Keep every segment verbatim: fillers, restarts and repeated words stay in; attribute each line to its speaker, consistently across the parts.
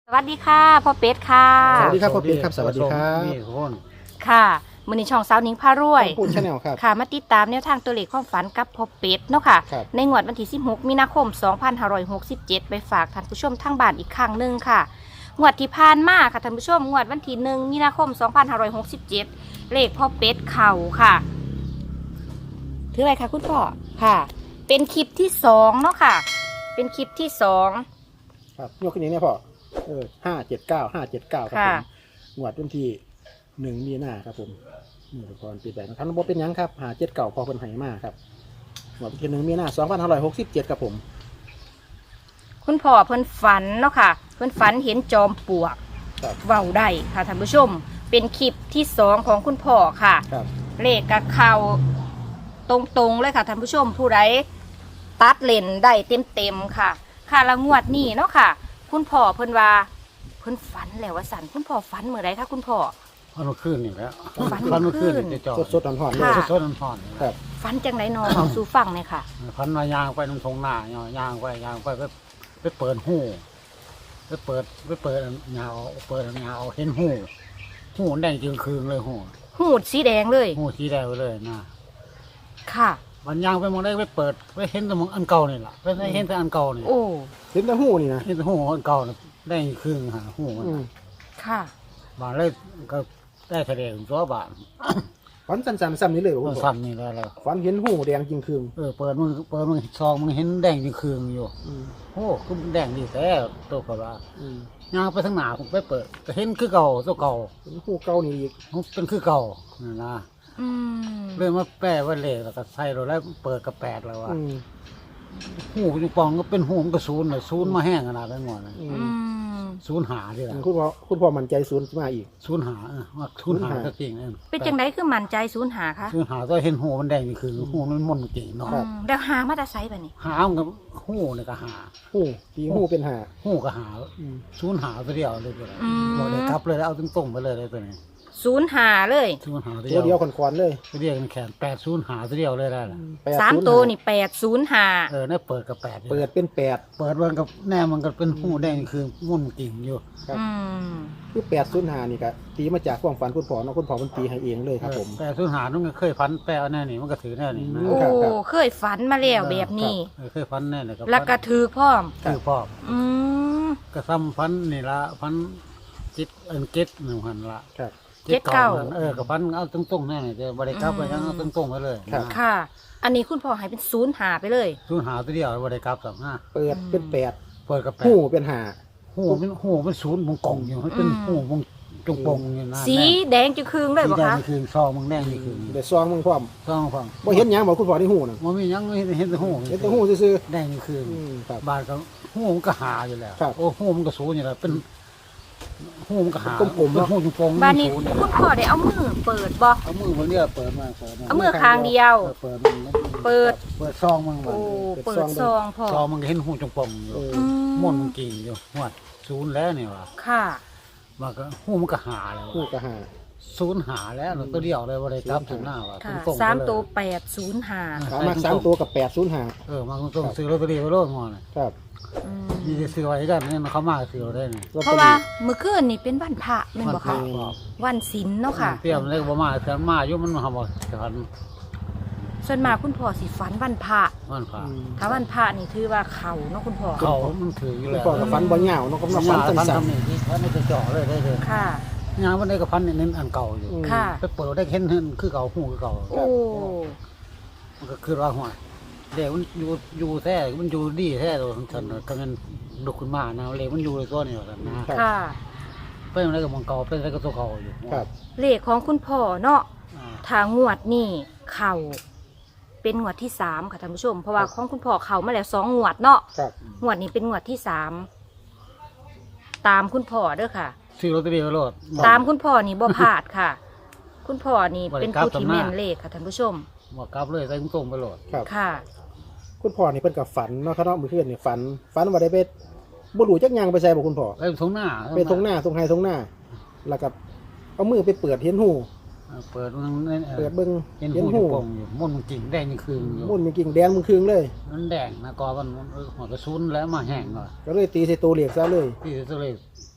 Speaker 1: สวัสดีค่ะพ่อเป็ดค่ะ
Speaker 2: สวัสดีครับพ่อเป็ดครับสวัสดีครับ
Speaker 3: นี่คน
Speaker 1: ค่ะมือนี้ช่องสาวหนิงพารวย
Speaker 2: ปูนชาแนลครับ
Speaker 1: ค่ะมาติดตามแนวทางตัวเลขความฝันกับพ่อเป็ดเนาะค่ะ
Speaker 2: ครับ
Speaker 1: ในงวดวันที่สิบหกมีนาคมสองพันห้าร้อยหกสิบเจ็ดไปฝากท่านผู้ชมทางบ้านอีกครั้งหนึ่งค่ะงวดที่ผ่านมาค่ะท่านผู้ชมงวดวันที่หนึ่งมีนาคมสองพันห้าร้อยหกสิบเจ็ดเลขพ่อเป็ดเข่าค่ะถืออะไรคะคุณพ่อค่ะ เป็นคลิปที่สองเนาะค่ะ เป็นคลิปที่สอง
Speaker 2: ครับยกขึ้นนี้เนี่ยพ่อเออห้าเจ็ดเก้าห้าเจ็ดเก้าครับผ
Speaker 1: ค่ะ
Speaker 2: มงวดวันที่หนึ่งมีนาครับผมนี่ทุกคนปีแปดนะครับบ่เป็นหยังครับหาเจ็ดเก้าพอเป็นไหมาครับงวดวันที่หนึ่งมีนาสองพันห้าร้อยหกสิบเจ็ดครับผม
Speaker 1: คุณพ่อเพิ่นฝันเนาะค่ะ เพิ่นฝันเห็นจอมปลวก
Speaker 2: ครับ
Speaker 1: เว้าได้ค่ะท่านผู้ชม เป็นคลิปที่สองของคุณพ่อค่ะ
Speaker 2: ครับ
Speaker 1: เลขกับเขาตรงๆเลยค่ะท่านผู้ชมผู้ใดตัดเลนได้เต็มๆค่ะ ค่ะละงวดนี้เนาะค่ะ คุณพ่อเพิ่นว่าเพิ่นฝันแล้วว่าสันคุณพ่อฝันเมื่อไรคะคุณพ่อ
Speaker 3: พันเมื่อคืนนี่แหล้ว
Speaker 1: ฝัน
Speaker 3: พัน
Speaker 1: เมื่
Speaker 3: เมื่
Speaker 1: อ
Speaker 3: อ
Speaker 1: คื
Speaker 3: คื
Speaker 1: น
Speaker 3: นนี่จะจอด
Speaker 2: สดๆร้อนๆเลย
Speaker 1: ค่ะ
Speaker 3: สดๆผ่อนๆ
Speaker 2: ครับ
Speaker 1: ฝันจังไรนอเอาสู่ฟังเลยค่ะ
Speaker 3: พันมายางไปตรงทงหน้ายางไปยางไปไปไปเปิดหูไปเปิดไปเปิดยาวเปิดยาวเห็นหูหูแดงจึงคืนเลยหู
Speaker 1: หูดสีแดงเลย
Speaker 3: หูสีแดงเลยนะ
Speaker 1: ค่ะ
Speaker 3: มันยางไปมองได้ไปเปิดไปเห็นแต่มองอันเก่านี่แหละไปเห็นแต่อันเก่านี่
Speaker 1: โอ้
Speaker 2: เห็นแต่หูนี่นะ
Speaker 3: เห็นแต่หูอันเก่านี่แดงคืนหาหูมัน
Speaker 2: อืม
Speaker 1: ค่ะ
Speaker 3: บานเลยก็ได้แสดงตัวบาน
Speaker 2: ฝันสั้นๆซ้ำนี้เลยบ่
Speaker 3: มั
Speaker 2: คุ
Speaker 3: น
Speaker 2: ณพ่อ
Speaker 3: ซ้ำนี่แล้วแล้ว
Speaker 2: ฝันเห็นหูแดงจริงคืน
Speaker 3: เออเปิดมึงเปิดมึงซองมึงเห็นแดงจึงคืนอยู่
Speaker 2: อืม
Speaker 3: โอ้คือมันแดงดีแท้ตัวกว่า
Speaker 2: อืม
Speaker 3: ย่างไปทางหนาผมไปเปิดก็เห็นคือเก่าตัวเก่า
Speaker 2: เห็นหูเก่านี่อีก
Speaker 3: มันเป็นคือเก่านั่นนะ
Speaker 1: อืม
Speaker 3: เรื่องมาแปะไว้เลยแล้วก็ใส่เราแล้วเปิดกระแปดแล้วว่า
Speaker 2: อืม
Speaker 3: หูจุงปองก็เป็นหูมันก็ศูนย์เลยศูนย์มาแห้งขนาดนั้นหมดเลย
Speaker 2: อื
Speaker 1: อื
Speaker 2: ม
Speaker 1: ม
Speaker 3: ศูนย์หาดิล่ะ
Speaker 2: คุณพ่อคุณพ่อมั่นใจศูนย์มาอีก
Speaker 3: ศูนย์หาเออว่าศูนย์หา
Speaker 2: ศูนย์หา
Speaker 3: ก็จริงเออ
Speaker 1: เป็นจังไรคือมั่นใจศูนย์หาคะ
Speaker 3: ศูนย์หาตัวเห็นหูมันแดงนี่คือหูมันม่นจริงเนาะ
Speaker 2: ครับ
Speaker 1: อืมแล้วหามาแตาไซแบบนี้
Speaker 3: หามันก็หูเนี่ยก็หา
Speaker 2: หูตีหูเป็นหา
Speaker 3: หูก็หา
Speaker 2: อืม
Speaker 3: ศูนย์หาตัวเดียวเลยตัวนี้
Speaker 1: อืม
Speaker 3: บอกเลยครับเลยเอาตรงๆไปเลยเลยตัวนี้
Speaker 1: ศูนย์หาเลย
Speaker 3: ศูนย์หาตัว
Speaker 2: ตัว
Speaker 3: เดี
Speaker 2: เดี
Speaker 3: ย
Speaker 2: ยว วขอนๆเลย
Speaker 3: ตัวเดียวกันแขนแปดศูนย์หาตัวเดียวเลยได้ล่ะ
Speaker 2: แปด
Speaker 1: สาม
Speaker 2: ศูนย์
Speaker 1: ตัว
Speaker 2: ห้า
Speaker 1: นี่แปดศูนย์หา
Speaker 3: เออเนี่ยเปิดกับแปดอยู่
Speaker 2: เปิดเป็นแปด
Speaker 3: เปิดมันกับแน่มันก็เป็นหูแดงคือมุ่นกิ่งอยู่
Speaker 2: ครับ
Speaker 1: อืม
Speaker 2: คือแปดศูนย์ห้านี่ก็ตีมาจากความฝันคุณพ่อเนาะคุณพ่อมันตีให้เองเลยครับผม
Speaker 3: แปดศูนย์หานุ่งเคยฟันแปะแน่นี่มันก็ถือแน่นี่นะ
Speaker 2: อื
Speaker 1: โอ้
Speaker 2: ครับครับ
Speaker 1: เคยฝันมาแล้วแบบนี้
Speaker 3: เออเคยฟันแน่เลย
Speaker 1: แล้วก็ถือพร้อม
Speaker 3: คือพ่อ
Speaker 1: อืม
Speaker 3: ก็ซ้ำฟันนี่ละฟันจิตเอินเก็ตหนึ่งพันละ
Speaker 2: ครับ
Speaker 1: เจ็ดเก้า
Speaker 3: นั่นเออกับฟันเอาตรงๆแน่นี่จะบริกรับไปยังเอาตรงๆไปเลย
Speaker 2: ครับ
Speaker 1: ค่ะ อันนี้คุณพ่อให้เป็นศูนย์หาไปเลย
Speaker 3: ศูนย์หาตัวเดียวบริกรับสองห้า
Speaker 2: เปิดเป็นแปด
Speaker 3: เปิดกับแปด
Speaker 2: หูเป็นหา
Speaker 3: หูเป็นหูเป็นศูนย์มงกงอยู่ให้เป็น
Speaker 1: อืม
Speaker 3: หูมงจงปงอยู่นะ
Speaker 1: สีแดงจะคืงเลย
Speaker 3: สี
Speaker 1: บ่
Speaker 3: แดง
Speaker 1: คะ
Speaker 3: นี่คือซองมึงแดงนี่คือ
Speaker 2: เดี๋ยวซองมึงพร้อม
Speaker 3: ซองฟัง
Speaker 2: บ่เห็นหยังบอกคุณพ่อที่หูน่ะ
Speaker 3: มันมียังเห็นเห็นแต่หู
Speaker 2: เห็นแต่หูซื่อ
Speaker 3: แดงนี่คือ
Speaker 2: ๆอืมครับ
Speaker 3: บาทก็หูมันก็หาอยู่แล้ว
Speaker 2: ครับ
Speaker 3: โอ้หูมันก็สูงอยู่แล้วเป็นหูมันก็หา
Speaker 2: เป็นกลมๆ
Speaker 3: เป็น
Speaker 2: เนาะ
Speaker 3: หูจุงปง
Speaker 1: บ้านนี้
Speaker 3: ศูย์เย
Speaker 1: คุณพ่อได้เอามือเปิดบ่
Speaker 3: เอามือมันเนี่ยเปิดมาเปิดมา
Speaker 1: เอามือข้างเดียว
Speaker 3: เออเปิดมัน
Speaker 1: เปิด
Speaker 3: เปิดซองมันมั
Speaker 1: โอ้
Speaker 3: น
Speaker 1: เปิดซองพ่อ
Speaker 3: ซองมันก็เห็นหูจุงปงอยู่
Speaker 2: เออ
Speaker 1: อื
Speaker 3: ม่วนมันกิ่งอยู่หัวศูนย์แล้วเนี่ยว่ะ
Speaker 1: ค่ะ
Speaker 3: มันก็หูมันก็หาแล้ว
Speaker 2: หู
Speaker 3: ว่ะ
Speaker 2: ก็หา
Speaker 3: ศูนย์หาแล้วตัวเดียวเลยว่าได้กลับถึงหน้าว่ะ
Speaker 1: ค่ะ
Speaker 3: ตรงๆไปเลย
Speaker 1: สามตัวแปดศูนย์หา
Speaker 2: สามารถสามตัวกับแปดศูนย์ห้า
Speaker 3: เออมาตรงๆซื้อลอตเตอรี่ไปโลดหมดเลย
Speaker 2: ครับ
Speaker 1: อืม
Speaker 3: มีแต่ซื้อไว้กันเนี่ยเขามาซื้อเราได้เนี่ย
Speaker 2: ลอต
Speaker 1: เพ
Speaker 2: ตอ
Speaker 1: ราะว่า
Speaker 2: รี่
Speaker 1: เมื่อคืนนี่เป็นวันพระแม่นบ่คะ
Speaker 3: มันพระ
Speaker 1: วันศีลเนาะค่ะ
Speaker 3: เปรี้ยวมันเลยบ่มาแต่มาอยู่มันมาบ่แต่พัน
Speaker 1: ส่วนมากคุณพ่อสิฝันวันพระ
Speaker 3: มันผ่า
Speaker 2: อืม
Speaker 1: ถ้าวันพระนี่ถือว่าเขาเนาะคุณพ่อ
Speaker 3: เขามันถืออยู่
Speaker 2: คุณ
Speaker 3: แล้ว
Speaker 2: พ่อกับฝันบ่เหงาเนาะก็มาฝัน
Speaker 3: พัน
Speaker 2: สั้น
Speaker 3: ทำนี่ที่พันนี่จะเจาะเลยได้เลย
Speaker 1: ค่ะ
Speaker 3: งานวันนี้ก็พันนี่เน้นอันเก่าอยู่
Speaker 2: อืม
Speaker 1: ค่ะ
Speaker 3: ไปเปิดได้เห็นเห็นคือเก่าหูคือเก่า
Speaker 1: โอ้
Speaker 3: มันก็คือว่าหัวเด็กมันอยู่อยู่แท้มันอยู่ดีแท้ตัวฉันก็มันลุกขึ้นมานะเล็กมันอยู่ในตัวนี่แหละนะ
Speaker 1: ค่ะ
Speaker 3: เป็นอะไรกับมังเก่าเป็นอะไรกับตัวเก่าอยู่
Speaker 2: ครับ
Speaker 1: เลขของคุณพ่อเนาะ
Speaker 3: อ่า
Speaker 1: ทางงวดนี่เข่าเป็นงวดที่สามค่ะท่านผู้ชม เพราะว่าของคุณพ่อเข่ามาแล้วสองงวดเนาะ
Speaker 2: ครับ
Speaker 1: งวดนี้เป็นงวดที่สามตามคุณพ่อเด้อค่ะ
Speaker 3: ซื้อลอตเตอรี่ไปโลด
Speaker 1: ตามคุณพ่อนี่บ่พลาดค่ะ คุณพ่อนี่
Speaker 3: บ่ได้
Speaker 1: เป็น
Speaker 3: กลับ
Speaker 1: ผู้ที่
Speaker 3: สำนัก
Speaker 1: แม่นเลขค่ะท่านผู้ชม
Speaker 3: หมดกลับเลยใส่ตรงๆไปโหลด
Speaker 2: ครับ
Speaker 1: ค่ะ
Speaker 2: คุณพ่อนี่เพิ่นกับฝันเนาะครับเนาะมื้อคืนนี่ฝันฝันว่าได้ไปบ่รู้จักหยังไปใส่บ่คุณพ่อ
Speaker 3: ไปทงหน้า
Speaker 2: ไปตรงหน้าตรงไห้ตรงหน้า แล้วก็เอามือไปเปิดเห็นหู
Speaker 3: เออเปิดมัน
Speaker 2: เปิดเบิ่ง
Speaker 3: เห็น
Speaker 2: เห็น
Speaker 3: หู
Speaker 2: หู
Speaker 3: อยู่ปงอยู่ม่วนมันกิ่งแดงยังคืนอยู่
Speaker 2: มุ่นมีกิ่งแดงมึงคืงเลย
Speaker 3: มันแดงนะกอมันเออหัวกระสุนแล้วมาแห้งหน่อย
Speaker 2: ก็เลยตีใส่ตัวเหล็กซะเลย
Speaker 3: ที่ตัวเลย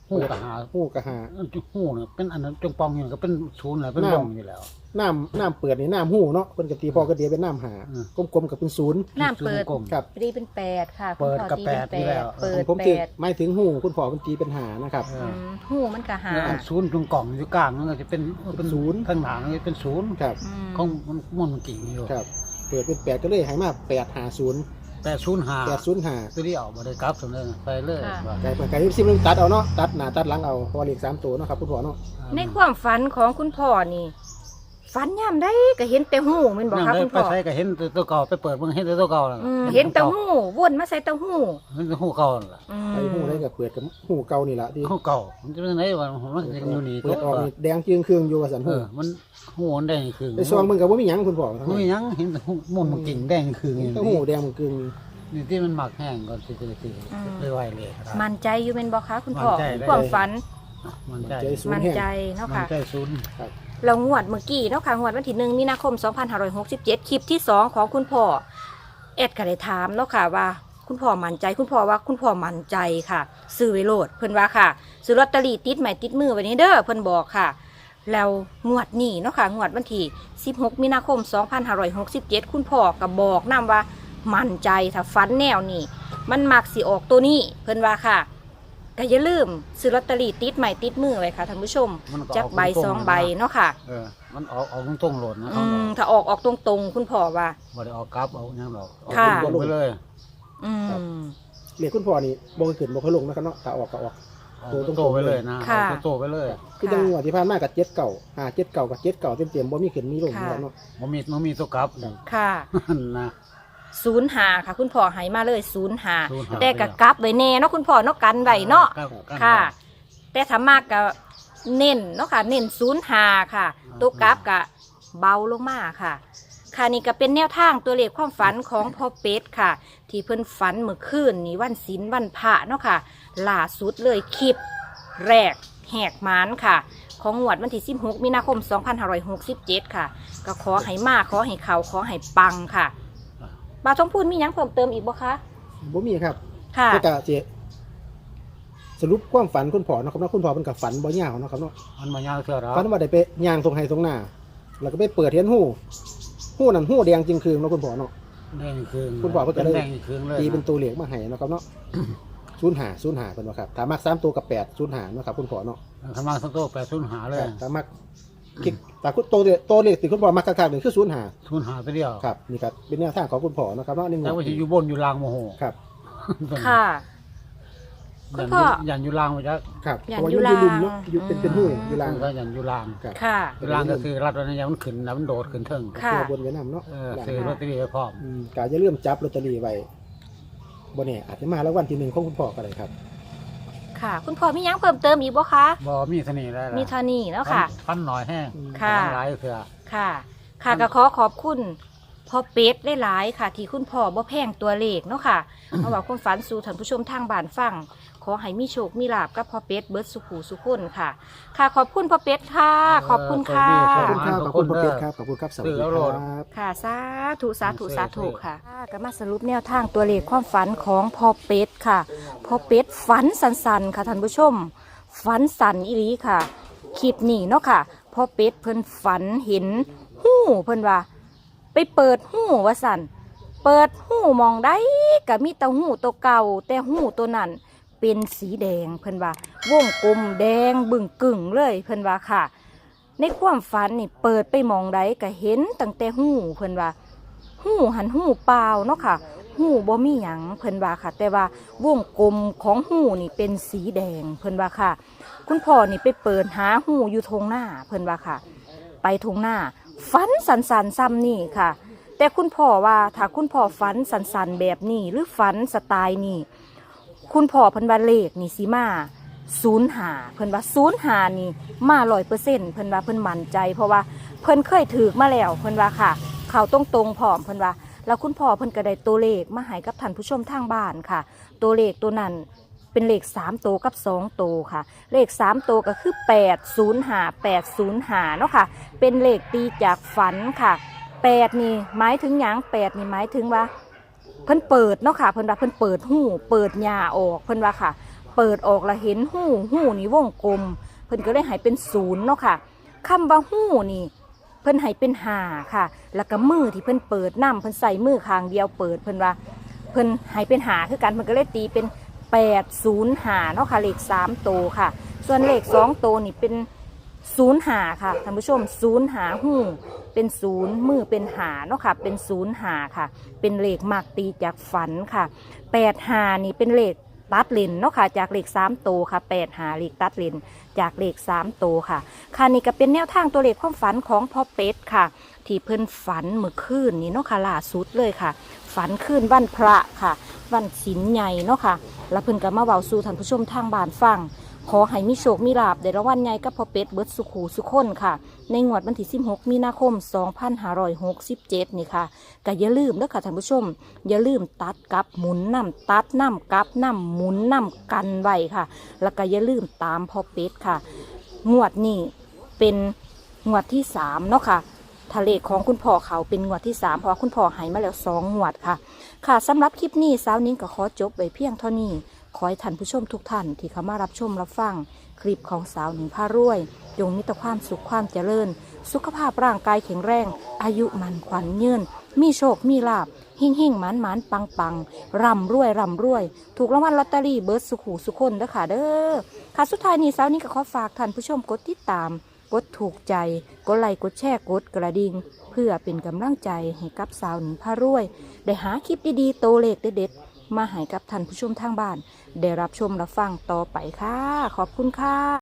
Speaker 3: หูกะหา
Speaker 2: หูกะหา
Speaker 3: หูเนี่ยเป็นอันนั้นจงปองอยู่ก็เป็นศูนย์แหละเป็น
Speaker 2: น้ำ
Speaker 3: วงอยู่แล้ว
Speaker 2: น้ำน้ำเปิดนี่น้ำหูเนาะเพิ่นก็ตีพอกระเดียเป็นน้ำหา
Speaker 3: อืม
Speaker 2: กลมๆกับเป็นศูนย์
Speaker 1: น้ำเปิด
Speaker 3: กลม
Speaker 2: ครับ
Speaker 1: ตีเป็นแปดค่ะ
Speaker 3: เปิด
Speaker 1: คุณพ่อ
Speaker 3: กับ
Speaker 1: ตี
Speaker 3: แปดนี่แล้ว
Speaker 1: เปิด
Speaker 2: ผม
Speaker 1: แป
Speaker 2: ตี
Speaker 1: ด
Speaker 2: ไม่ถึงหูคุณพ่อเพิ่นตีเป็นหานะครับ
Speaker 3: เอ
Speaker 1: อื
Speaker 3: อ
Speaker 1: มหูมันก็หา
Speaker 3: แล้วอันศูนย์ตรงกล่องอยู่กลางนั่นก็จะเป็นเป็น
Speaker 2: ศูนย์
Speaker 3: ข้างหลังนี่เป็นศูนย์
Speaker 2: ครับ
Speaker 1: อืม
Speaker 3: ของมันมันมันกิ่งอยู่
Speaker 2: ครับเปิดเป็นแปดก็เลยให้มาแปดหาศูนย์
Speaker 3: แปดศูนย์หา
Speaker 2: แปดศูนย์หา
Speaker 3: ตัวนี้ออกมาได้กลับสมเลยไปเลยว่า
Speaker 2: ไก่ไก่ที่ซิมตัดเอาเนาะตัดหน้าตัดหลังเอาเพอเลขสามตัวเนาะครับคุณพ่อเนาะ
Speaker 1: ในความฝันของคุณพ่อนี่ฝันย่ำได้ก็เห็นแต่หูแมันบอก
Speaker 3: นั่ง
Speaker 1: ค่ะ
Speaker 3: ได้
Speaker 1: คุณ
Speaker 3: ไป
Speaker 1: พ่อ
Speaker 3: ใช้ก็เห็นตัวเก่าไปเปิดมึงเห็นตัวเก่าแล้ว
Speaker 1: อืมเห็นแต่หูวนมาใส่แต่หู
Speaker 3: เห็นหูเก่าล่ะ
Speaker 1: อืม
Speaker 2: ไอ้หูได้กับเปิดกับหูเก่านี่แหละที่
Speaker 3: หูเก่ามันจะเป็นไหนวะมันยังอยู่นี่
Speaker 2: เปิดออกนี่แดงเคืองเครื่องอยู่ว่าสัน
Speaker 3: เอ
Speaker 2: หู
Speaker 3: อมันหูมันแดงคือ
Speaker 2: ไอ้ซองมึงกับว่ามีหยังคุณพ่อทั้ง
Speaker 3: มัน
Speaker 2: นั้น
Speaker 3: ยังเห็นหูมันมันกิ่งแดงคืออย่าง
Speaker 2: ทั้ง
Speaker 3: นี้
Speaker 2: หูแดงมันกึ่ง
Speaker 3: นี่ที่มันหมักแห้งก่อนสิสิสิเลยไวเลยครับ
Speaker 1: มั่นใจอยู่เป็นบอกคะคุณพ่อ
Speaker 3: มั่นใจได้
Speaker 1: ความฝัน
Speaker 3: มันใจ
Speaker 2: ใจศูน
Speaker 1: มั่
Speaker 2: ย์
Speaker 1: น
Speaker 2: แห้ง
Speaker 1: ใจเนาะ
Speaker 3: มัน
Speaker 1: ค่ะ
Speaker 3: ใจศูนย์
Speaker 1: เรางวดเมื่อกี้เนาะค่ะงวดวันที่หนึ่งมีนาคมสองพันห้าร้อยหกสิบเจ็ดคลิปที่สองของคุณพ่อเอ็ดก็ได้ถามเนาะค่ะว่า คุณพ่อมั่นใจคุณพ่อว่าคุณพ่อมั่นใจค่ะซื้อไว้โลดเพิ่นว่าค่ะซื้อลอตเตอรี่ติดใหม่ติดมือไว้นี้เด้อเพิ่นบอกค่ะ แล้วงวดนี้เนาะค่ะงวดวันที่สิบหกมีนาคมสองพันห้าร้อยหกสิบเจ็ดคุณพ่อก็บอกนำว่ามั่นใจถ้าฟันแนวนี้มันมักสิออกตัวนี้เพิ่นว่าค่ะก็อย่าลืมซื้อลอตเตอรี่ติดใหม่ติดมือไว้ค่ะท่านผู้ชม
Speaker 3: มันก็
Speaker 1: จักใบ
Speaker 3: กตร
Speaker 1: สอง
Speaker 3: ๆ
Speaker 1: ใบเนาะค่ะ
Speaker 3: เออมันออกออกตรงๆโหลดนะ
Speaker 1: อื
Speaker 3: เขา
Speaker 1: ม
Speaker 3: เนาะ
Speaker 1: ถ้าออกออกตรงๆ คุณพ่อว่า
Speaker 3: บ่ได้ออกกลับเอาอย่างดอกออก
Speaker 1: ค่ะ
Speaker 3: ตรงๆไปเลย
Speaker 1: อืม
Speaker 2: เลขคุณพ่อนี่บ่เคยขึ้นบ่เคยลงนะครับเนาะถ้าออกก็ออก
Speaker 3: ออก
Speaker 2: ตัวตรงๆ
Speaker 3: โตๆไปเลยนะ
Speaker 1: ค่ะ
Speaker 3: ออกโตๆไปเลย
Speaker 2: คือจังหวะที่ผ่านมากับเจ็ดเก่าหาเจ็ดเก่ากับเจ็ดเก่าเต็มๆบ่มีขึ้นมีลง
Speaker 1: ค่ะ
Speaker 2: เนาะ
Speaker 3: มันมีมันมีตัวกลับ
Speaker 1: ค่ะ
Speaker 3: นะ
Speaker 1: ศูนย์หาค่ะ คุณพ่อให้มาเลยศูนย์หา
Speaker 3: ศูนย์ห้า
Speaker 1: แต่กะกลับไว้แน่เนาะคุณพ่อเนาะกันไว้เนาะ
Speaker 3: ครับรับ
Speaker 1: ค่ะ แต่ถ้ามากกะเน้นเนาะค่ะ เน้นศูนย์หาค่ะ ตัวกลับกะเบาลงมาค่ะ ค่ะนี่ก็เป็นแนวทางตัวเลขความฝันของพ่อเป็ดค่ะ ที่เพิ่นฝันเมื่อคืนนี้วันศีลวันพระเนาะค่ะล่าสุดเลยคลิปแรกแหกหมานค่ะ ของงวดวันที่สิบหกมีนาคมสองพันห้าร้อยหกสิบเจ็ดค่ะ ก็ขอให้มาขอให้เขาขอให้ปังค่ะบาวทองพูนมีหยังเพิ่มเติมอีกบ่คะ
Speaker 2: บ่มีครับ
Speaker 1: ค่ะ
Speaker 2: แต่ก็สิสรุปความฝันคุณพ่อเนาะครับเนาะคุณพ่อเป็นกับฝันบ่ยาวเนาะครับเนาะ
Speaker 3: มันมายาวเท่าไหร่
Speaker 2: ฝันว่าได้ไปย่างตรงไห้ตรงหน้า แล้วก็ไปเปิดเห็นหูหูนั่นหูแดงจริงคืนเนาะคุณพ่อเนาะ
Speaker 3: แดงคืน
Speaker 2: คุณบอกว่าจะ
Speaker 3: เป็น
Speaker 2: ได้
Speaker 3: แดงคืนเลย
Speaker 2: ตีเป็น
Speaker 3: นะ
Speaker 2: ตัวเหลียกมาให้เนาะครับเนาะ ศูนย์หาศูนย์หาเป็นว่าครับถ้ามักสามตัวกับแปดศูนย์หาเนาะครับคุณพ่อเนาะ
Speaker 3: ทำมาสักโตแปดศูนย์หาเลย
Speaker 2: ถ้ามักคิดแต่คุณตัวเดียวตัวเลขที่คุณพ่อมักคักๆนี่คือศูนย์หา
Speaker 3: ศูนย์หาไปเดียว
Speaker 2: ครับนี่ครับเป็นแนวทางของคุณพ่อเนาะครับเนาะนี่
Speaker 3: แต่ว่าจะอยู่บนอยู่ล่างโมโห
Speaker 2: ครับ
Speaker 1: ค่ะ คุณพ่อ
Speaker 3: ยันอยู่ล่างไปจ้ะ
Speaker 2: ครับ
Speaker 1: อ
Speaker 2: เพ
Speaker 1: ย่าง
Speaker 2: ราะว่า
Speaker 1: อ
Speaker 2: อยู่ ยู่
Speaker 1: ลาง
Speaker 2: ลุมเนาะอยู่เป็นเป็นหูอยู่ลาง
Speaker 3: ก็ยันอยู่ล่าง
Speaker 2: ครับ
Speaker 1: ค่ะ
Speaker 3: อยู่ล่างก็คือรัดวันนี้ยังมันขึ้นนะมันโดดขึ้นเทิง
Speaker 1: ค่ะ
Speaker 2: ตัวบนไว้นำเนาะ
Speaker 3: เออ
Speaker 2: ล่าง
Speaker 3: ซื้อลอตเตอรี่ไว้พร้อม
Speaker 2: อืมกาจะเริ่าลืมจับลอตเตอรี่ไว้บ่แน่อาจจะมาแล้ววันที่หนึ่งของคุณพ่อก็ได้ครับ
Speaker 1: ค่ะ คุณพ่อมีหยังเพิ่มเติมอีกบ่คะ
Speaker 3: บ่มีเสน่ห์ได้ละ
Speaker 1: มีเท่านี้แล้วค่ะ
Speaker 3: ฟันหน่อยแห้ง
Speaker 1: ค่ะ
Speaker 3: ฟันหลายเถื่อ
Speaker 1: ค่ะ ค่ะก็ขอขอบคุณพ่อเป็ดหลายๆค่ะ ที่คุณพ่อบ่แพงตัวเลขเนาะค่ะ เอาว่าความฝันสู่ท่านผู้ชมทางบ้านฟัง ขอให้มีโชคมีลาบกับพ่อเป็ดเบิร์ดสุขูสุขคนค่ะ ค่ะขอบคุณพ่อเป็ดค่ะ ขอบคุณค่ะ
Speaker 2: ขอบคุณครับขอบคุณพ่อเพชรครับขอบคุณครับสวัสดีครับ
Speaker 1: ค่ะสาธุสาธุสาธุค่ะก็มาสรุปแนวทางตัวเลขความฝันของพ่อเป็ดค่ะพ่อเป็ดฝันสันๆค่ะท่านผู้ชม ฝันสันอีหลีค่ะคลิปนี้เนาะค่ะพ่อเป็ดเพิ่นฝันเห็นหู้เพิ่นว่า ไปเปิดหู้ว่าสันเปิดหู้มองได้ก็มีแต่หู้ตัวเก่าแต่หู้ตัวนั้นเป็นสีแดงเพิ่นว่าวงกลมแดงบึ่งกึ่งเลยเพิ่นว่าค่ะ ในความฝันนี่เปิดไปมองใดก็เห็นตั้งแต่หูเพิ่นว่าหูหันหูเปล่าเนาะค่ะหูบ่มีหยังเพิ่นว่าค่ะ แต่ว่าวงกลมของหูนี่เป็นสีแดงเพิ่นว่าค่ะ คุณพ่อนี่ไปเปิดหาหูอยู่ทงหน้าเพิ่นว่าค่ะ ไปทงหน้าฝันสันสันซ้ำนี่ค่ะ แต่คุณพ่อว่าถ้าคุณพ่อฝันสันสันแบบนี้หรือฝันสไตล์นี่คุณพ่อเพิ่นว่าเลขนี่สิมาศูนย์หาเพิ่นว่าศูนย์หานี่มาร้อยเปอร์เซ็นต์เพิ่นว่าเพิ่นมั่นใจ เพราะว่าเพิ่นเคยถือมาแล้วเพิ่นว่าค่ะ เขาตรงตรงๆพร้อมเพิ่นว่าแล้วคุณพ่อเพิ่นก็ได้ตัวเลขมาให้กับท่านผู้ชมทางบ้านค่ะ ตัวเลขตัวนั้นเป็นเลขสามตัวกับสองตัวค่ะ เลขสามตัวก็คือแปดศูนย์หาแปดศูนย์หาเนาะค่ะ เป็นเลขตีจากฝันค่ะแปดนี่หมายถึงหยังแปดนี่หมายถึงว่า เพิ่นเปิดเนาะค่ะเพิ่นว่าเพิ่นเปิดหูเปิดหญ้าออกเพิ่นว่าค่ะ เเปิดออกละเห็นหูหูนี่วงกลมเพิ่นก็เลยให้เป็นศูนย์เนาะค่ะคำว่าหูนี่เพิ่นให้เป็นห้าค่ะแล้วก็มือที่เพิ่นเปิดน้ำเพิ่นใส่มือข้างเดียวเปิดเพิ่นว่าเพิ่นให้เป็นหาคือกันเพิ่นก็เลยตีเป็นแปดศูนย์หาเนาะค่ะเลขสามโตวค่ะส่วนเลขสองโตวนี่เป็นศูนย์หาค่ะท่านผู้ชมศูนย์หาหูเป็นศูนย์มือเป็นหาเนาะค่ะเป็นศูนย์หาค่ะเป็นเลขมากตีจากฝันค่ะแปดหานี่เป็นเลขตัดเลนเนาะค่ะจากเลขสามโตวค่ะแปดหาเลขตัดเลนจากเลขสามโตวค่ะค่ะนี่ก็เป็นแนวทางตัวเลขความฝันของพ่อเป็ดค่ะที่เพิ่นฝันเมื่อคืนนี้เนาะค่ะล่าสุดเลยค่ะฝันคืนวันพระค่ะวันศีลใหญ่เนาะค่ะแล้วเพิ่นก็มาเว้าสู่ท่านผู้ชมทางบ้านฟังขอให้มีโชคมีลาภได้รางวัลใหญ่กับพ่อเป็ดเบิดสุขหูสุขคนค่ะในงวดวันที่สิบหกมีนาคมสองพันห้าร้อยหกสิบเจ็ดนี่ค่ะก็อย่าลืมเด้อค่ะท่านผู้ชมอย่าลืมตัดกับหมุนน้ำตัดน้ำกับน้ำหมุนน้ำกันไว้ค่ะแล้วก็อย่าลืมตามพ่อเป็ดค่ะงวดนี้เป็นงวดที่สามเนาะค่ะทะเลของคุณพ่อเขาเป็นงวดที่สามเพราะคุณพ่อหายมาแล้วสองงวดค่ะค่ะสำหรับคลิปนี้สาวนิ้งก็ขอจบไว้เพียงเท่านี้ขอให้ท่านผู้ชมทุกท่านที่เข้ามารับชมรับฟังคลิปของสาวหนิงพารวยจงมีแต่ความสุขความเจริญสุขภาพร่างกายแข็งแรงอายุมันขวัญยืนมีโชคมีลาภเฮ่งเฮ่งหมานหมานปังปังร่ำรวยร่ำรวยถูกรางวัลลอตเตอรี่เบิร์ดสุขหูสุขคนเด้อค่ะเด้อค่ะสุดท้ายนี้สาวนิ้งก็ขอฝากท่านผู้ชมกดติดตามกดถูกใจกดไลค์กดแชร์กดกระดิ่งเพื่อเป็นกำลังใจให้กับสาวหนิงพารวยได้หาคลิปดีๆโตเลขเด็ดๆมาให้กับท่านผู้ชมทางบ้านได้รับชมรับฟังต่อไปค่ะขอบคุณค่ะ